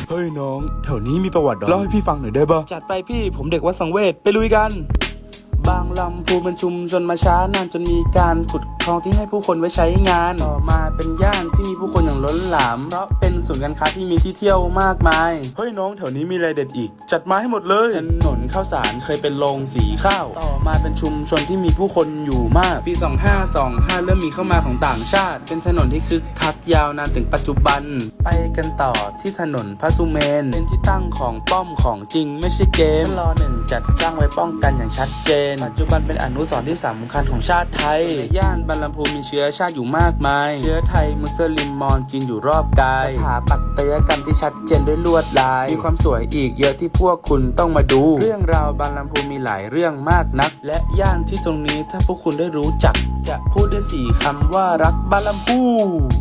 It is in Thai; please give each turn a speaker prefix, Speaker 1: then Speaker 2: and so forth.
Speaker 1: เฮ้ยน้องแถวนี้มีประวัติเล่าให้พี่ฟังหน่อยได้ป่ะจัดไปพี่ผมเด็กวัดสังเวชไปลุยกันบางลำพูเป็นชุมชนมาช้านานจนมีการขุดคลองที่ให้ผู้คนไว้ใช้งานต่อมาเป็นย่านที่มีผู้คนอย่างล้นหลามเพราะเป็นศูนย์การค้าที่มีที่เที่ยวมากมายเฮ้ยน้องแถวนี้มีอะไรเด็ดอีกจัดมาให้หมดเลยถนนข้าวสารเคยเป็นโรงสีข้าวต่อมาเป็นชุมชนที่มีผู้คนอยู่มากปี2525เริ่มมีเข้ามาของต่างชาติเป็นถนนที่คึกคักยาวนานถึงปัจจุบันไปกันต่อที่ถนนพระสุเมนเป็นที่ตั้งของป้อมของจริงไม่ใช่เกมร.1จัดสร้างไว้ป้องกันอย่างชัดเจนปัจจุบันเป็นอนุสรณ์ที่สำคัญของชาติไทยย่านบรรลำพูมีเชื้อชาติอยู่มากมายเชื้อไทยมุสลิมมอญจีนอยู่รอบกายสถาปัตยกรรมที่ชัดเจนด้วยลวดลายมีความสวยอีกเยอะที่พวกคุณต้องมาดูเรื่องราวบรรลำพูมีหลายเรื่องมากนักและย่านที่ตรงนี้ถ้าพวกคุณได้รู้จักจะพูดได้4 คำว่ารักบรรลำพู